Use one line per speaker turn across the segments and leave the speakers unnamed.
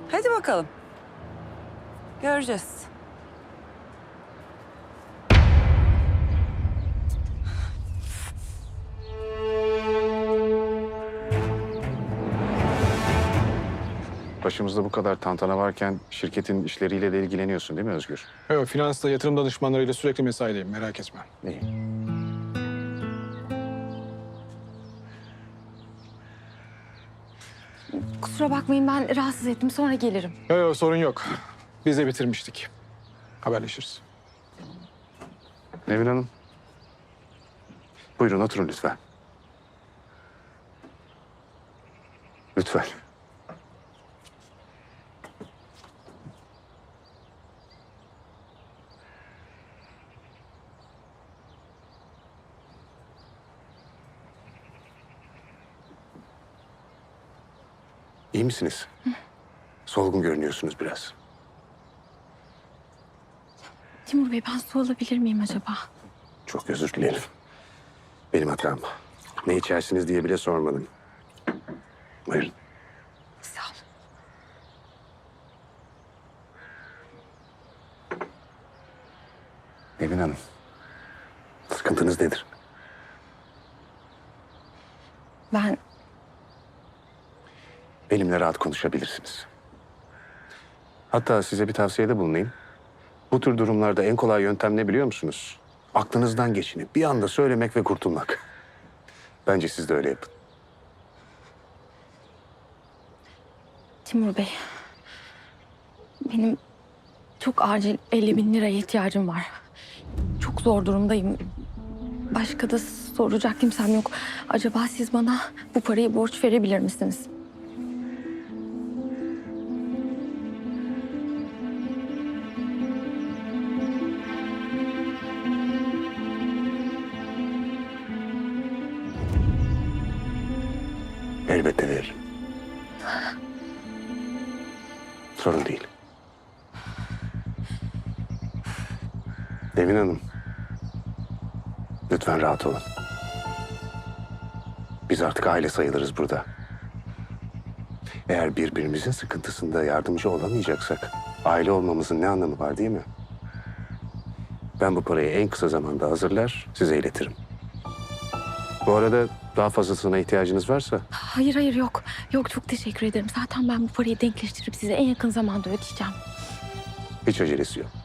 Hadi bakalım. Göreceğiz.
Başımızda bu kadar tantana varken şirketin işleriyle de ilgileniyorsun değil mi Özgür?
Evet, finansta yatırım danışmanlarıyla sürekli mesaideyim, merak etme.
İyi.
Kusura bakmayın ben rahatsız ettim sonra gelirim.
Yok, sorun yok. Biz de bitirmiştik. Haberleşiriz.
Nevin Hanım. Buyurun oturun lütfen. Lütfen. İyi misiniz? Solgun görünüyorsunuz biraz.
Timur Bey ben su alabilir miyim acaba?
Çok özür dilerim. Benim hatam. Ne içersiniz diye bile sormadım. Buyurun.
Sağ ol.
Nevin Hanım. Sıkıntınız nedir?
Ben
Benimle rahat konuşabilirsiniz. Hatta size bir tavsiyede bulunayım. Bu tür durumlarda en kolay yöntem ne biliyor musunuz? Aklınızdan geçini bir anda söylemek ve kurtulmak. Bence siz de öyle yapın.
Timur Bey. Benim çok acil 50.000 liraya ihtiyacım var. Çok zor durumdayım. Başka da soracak kimsem yok. Acaba siz bana bu parayı borç verebilir misiniz?
Elbette veririm. Sorun değil. Nevin Hanım. Lütfen rahat olun. Biz artık aile sayılırız burada. Eğer birbirimizin sıkıntısında yardımcı olamayacaksak aile olmamızın ne anlamı var değil mi? Ben bu parayı en kısa zamanda hazırlar, size iletirim. Bu arada daha fazlasına ihtiyacınız varsa
Hayır yok. Yok çok teşekkür ederim. Zaten ben bu parayı denkleştirip size en yakın zamanda ödeyeceğim.
hiç acelesi yok.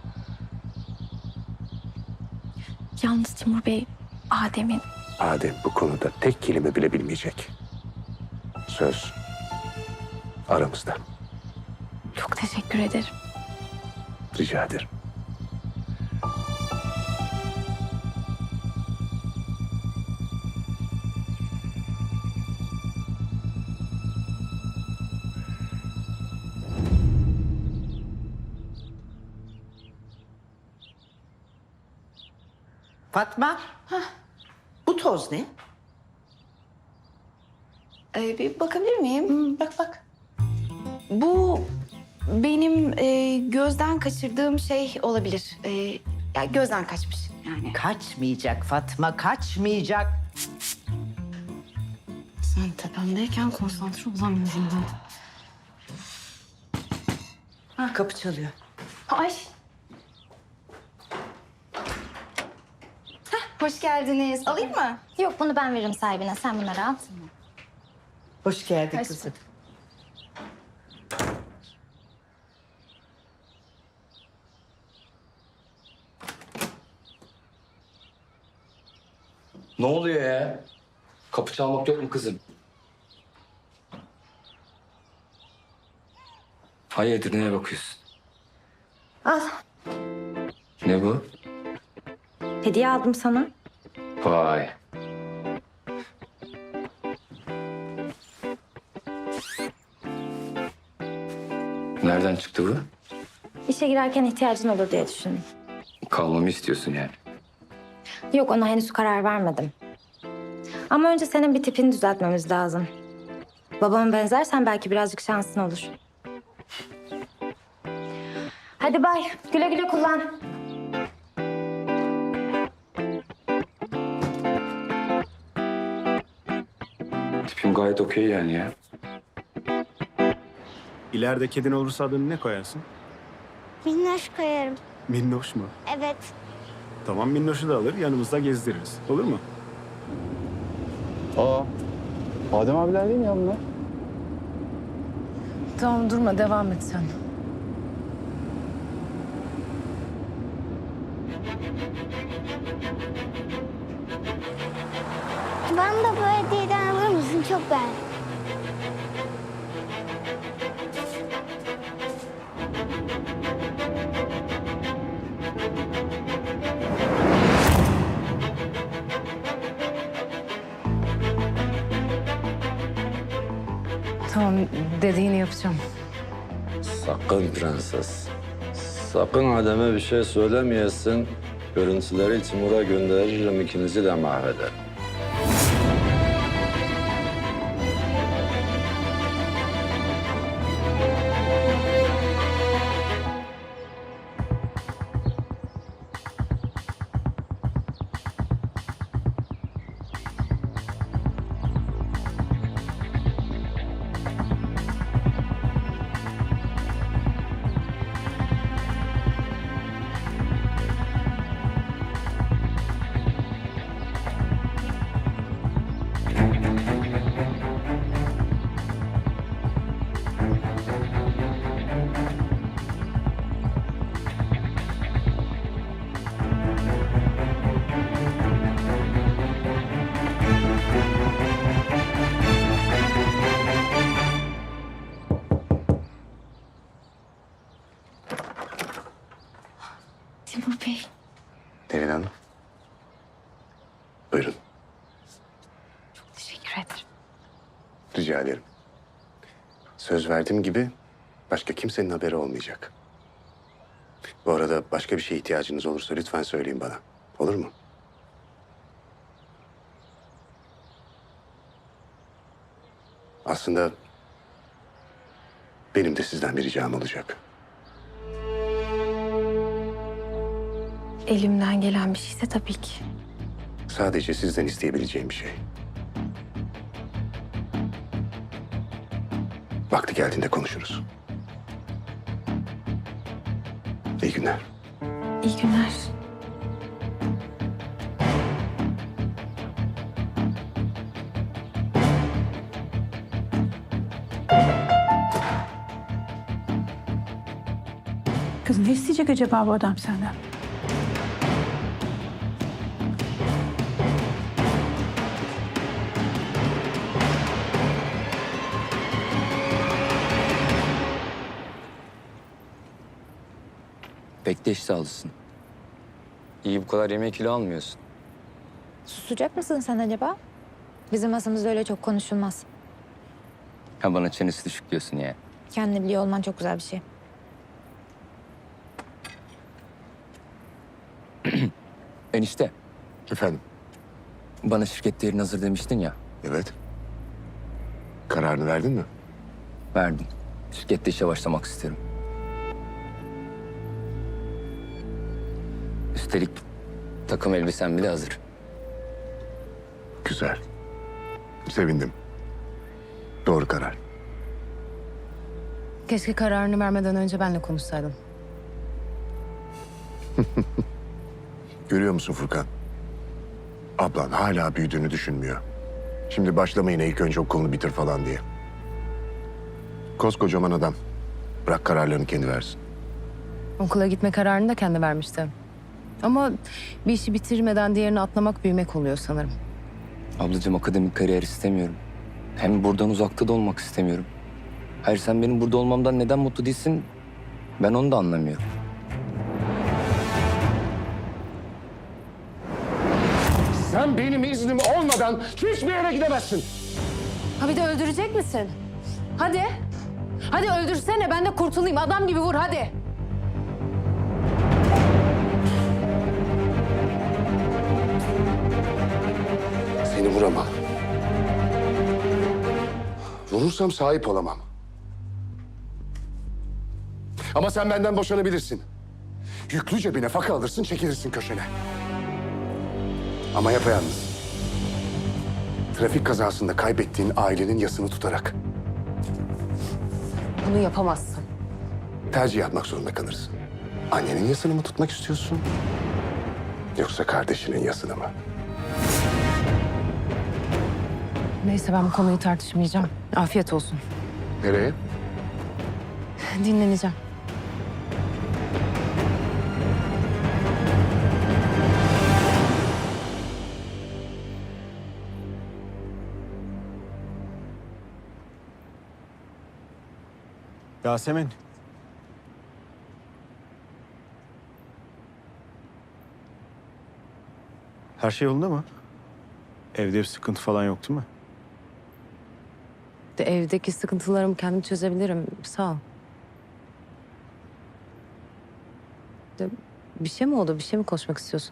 Yalnız Timur Bey, Adem'in
Adem bu konuda tek kelime bile bilmeyecek. Söz aramızda.
çok teşekkür ederim.
Rica ederim.
Fatma. Bu toz ne?
Bir bakabilir miyim?
Bak bak.
Bu benim gözden kaçırdığım şey olabilir. Ya gözden kaçmış yani.
Kaçmayacak Fatma, kaçmayacak.
Sen tepemdeyken konsantre olamıyorum ben.
Ha, kapı çalıyor.
Ay. Hoş geldiniz. Alayım mı?
Yok bunu ben veririm sahibine. Sen bunları al.
Hoş geldin
Hoş
kızım.
Ne oluyor ya? Kapı çalmak yok mu kızım? Hayırdır neye bakıyorsun?
Al.
Ne bu?
Hediye aldım sana.
Vay. Nereden çıktı bu?
İşe girerken ihtiyacın olur diye düşündüm.
Kalmamı istiyorsun yani.
Yok ona henüz karar vermedim. Ama önce senin bir tipini düzeltmemiz lazım. Babama benzersen belki birazcık şansın olur. Hadi bay. Güle güle kullan.
Tipim gayet okey yani ya.
İleride kedin olursa adını ne koyarsın?
Minnoş koyarım.
Minnoş mu?
Evet.
Tamam, Minnoş'u da alır, yanımızda gezdiririz. Olur mu?
Aa, Adem abiler değil mi ya bunlar?
Tamam durma devam et sen.
Bana da bu hediyeden alır mısın? Çok beğendim.
Tamam dediğini yapacağım.
Sakın prenses. Sakın Adem'e bir şey söylemeyesin. Görüntüleri Timur'a gönderirim, ikinizi de mahvederim.
Timur Bey.
Nevin Hanım. Buyurun.
Teşekkür ederim.
Rica ederim. Söz verdiğim gibi başka kimsenin haberi olmayacak. Bu arada başka bir şeye ihtiyacınız olursa lütfen söyleyin bana. Olur mu? Aslında benim de sizden bir ricam olacak.
Elimden gelen bir şeyse tabii ki.
Sadece sizden isteyebileceğim bir şey. Vakti geldiğinde konuşuruz. İyi günler.
İyi günler.
Kız ne isteyecek acaba bu adam senden?
Pek de iştahlısın. İyi bu kadar yemek kilo almıyorsun.
Susacak mısın sen acaba? Bizim masamızda öyle çok konuşulmaz.
Ha bana çenesi düşük diyorsun ya.
Kendini biliyor olman çok güzel bir şey.
Enişte,
Efendim?
bana şirket değerini hazır demiştin ya.
Evet. Kararını verdin mi?
Verdim. Şirkette işe başlamak isterim. Üstelik takım elbisem bile hazır.
Güzel. Sevindim. Doğru karar.
Keşke kararını vermeden önce benle konuşsaydın.
Görüyor musun Furkan? Ablan hala büyüdüğünü düşünmüyor. Şimdi başlamayın ilk önce okulunu bitir falan diye. Koskocaman adam. Bırak kararlarını kendi versin.
Okula gitme kararını da kendi vermişti. Ama bir işi bitirmeden diğerini atlamak büyümek oluyor sanırım.
Ablacığım akademik kariyer istemiyorum. Hem buradan uzakta da olmak istemiyorum. Hayır sen benim burada olmamdan neden mutlu değilsin? Ben onu da anlamıyorum.
Sen benim iznim olmadan hiçbir yere gidemezsin.
Ha bir de öldürecek misin? Hadi. Hadi öldürsene ben de kurtulayım. Adam gibi vur hadi.
Seni vuramam. Vurursam sahip olamam. Ama sen benden boşanabilirsin. Yüklü cebine faka alırsın, çekilirsin köşene. Ama yapayalnız. Trafik kazasında kaybettiğin ailenin yasını tutarak.
bunu yapamazsın.
Tercih yapmak zorunda kalırsın. Annenin yasını mı tutmak istiyorsun? Yoksa kardeşinin yasını mı?
Neyse ben bu konuyu tartışmayacağım. Afiyet olsun.
Nereye?
Dinleneceğim.
Yasemin. Her şey yolunda mı? Evde bir sıkıntı falan yok değil mi?
Evdeki sıkıntılarımı kendim çözebilirim. Sağ ol. Bir şey mi oldu? Bir şey mi konuşmak istiyorsun?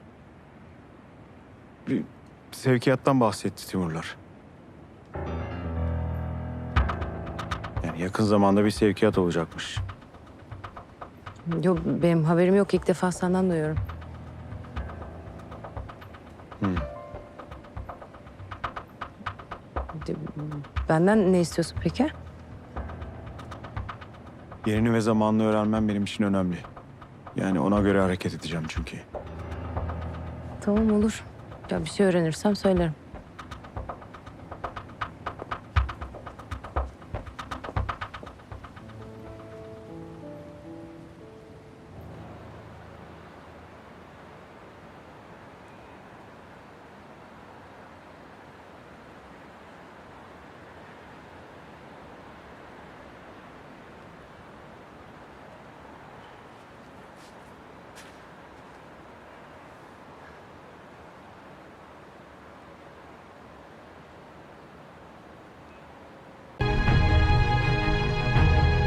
Bir sevkiyattan bahsetti Timurlar. Yani yakın zamanda bir sevkiyat olacakmış.
Yok benim haberim yok. İlk defa senden duyuyorum. De- Benden ne istiyorsun peki?
Yerini ve zamanını öğrenmem benim için önemli. Yani ona göre hareket edeceğim çünkü.
Tamam olur. Ya bir şey öğrenirsem söylerim.